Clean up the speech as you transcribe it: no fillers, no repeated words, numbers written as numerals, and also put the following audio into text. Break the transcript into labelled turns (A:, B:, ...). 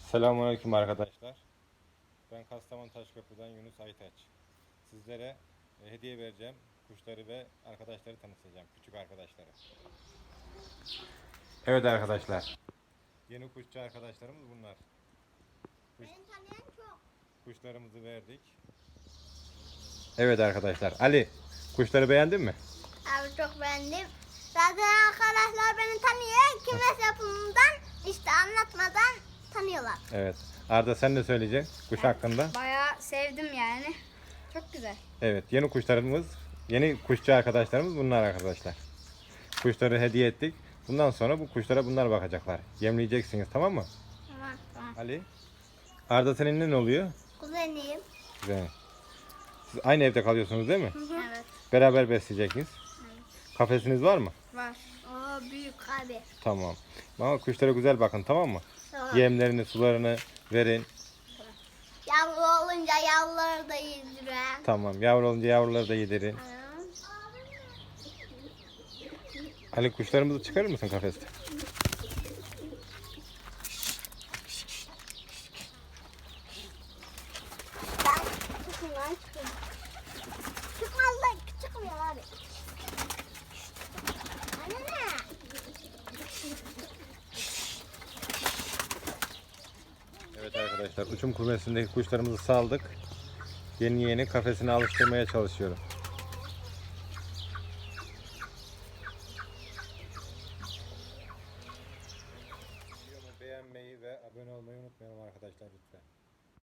A: Selamünaleyküm arkadaşlar. Ben Kastamonu Taşköprü'den Yunus Aytaç. Sizlere hediye vereceğim. Kuşları ve arkadaşları tanıtacağım. Küçük arkadaşları. Evet arkadaşlar. Yeni kuşçu arkadaşlarımız bunlar.
B: Beni tanıyan çok.
A: Kuşlarımızı verdik. Evet arkadaşlar. Ali, kuşları beğendin mi?
B: Abi çok beğendim. Zaten arkadaşlar beni tanıyor. Kümes yapımından işte anlatmadan tanıyorlar.
A: Evet. Arda sen ne söyleyeceksin kuş hakkında?
C: Bayağı sevdim yani. Çok güzel.
A: Evet. Yeni kuşçu arkadaşlarımız bunlar arkadaşlar. Kuşları hediye ettik. Bundan sonra bu kuşlara bunlar bakacaklar. Yemleyeceksiniz, tamam mı?
B: Tamam.
A: Ali. Arda senin ne oluyor?
B: Kuzeniyim.
A: Güzel. Siz aynı evde kalıyorsunuz değil mi?
C: Evet.
A: Beraber besleyeceksiniz. Kafesiniz var mı?
C: Var.
B: Oo büyük abi.
A: Tamam. Ama kuşlara güzel bakın, tamam mı?
B: Tamam.
A: Yemlerini, sularını verin.
B: Yavru olunca yavruları da yediren.
A: Tamam. Yavru olunca yavruları da yedirin. Ali, kuşlarımızı çıkarır mısın kafeste?
B: Şundan çıkıyor. Çıkmaz da çıkmıyor abi. Anne.
A: Evet arkadaşlar, uçum kümesindeki kuşlarımızı saldık. Yeni kafesine alıştırmaya çalışıyorum.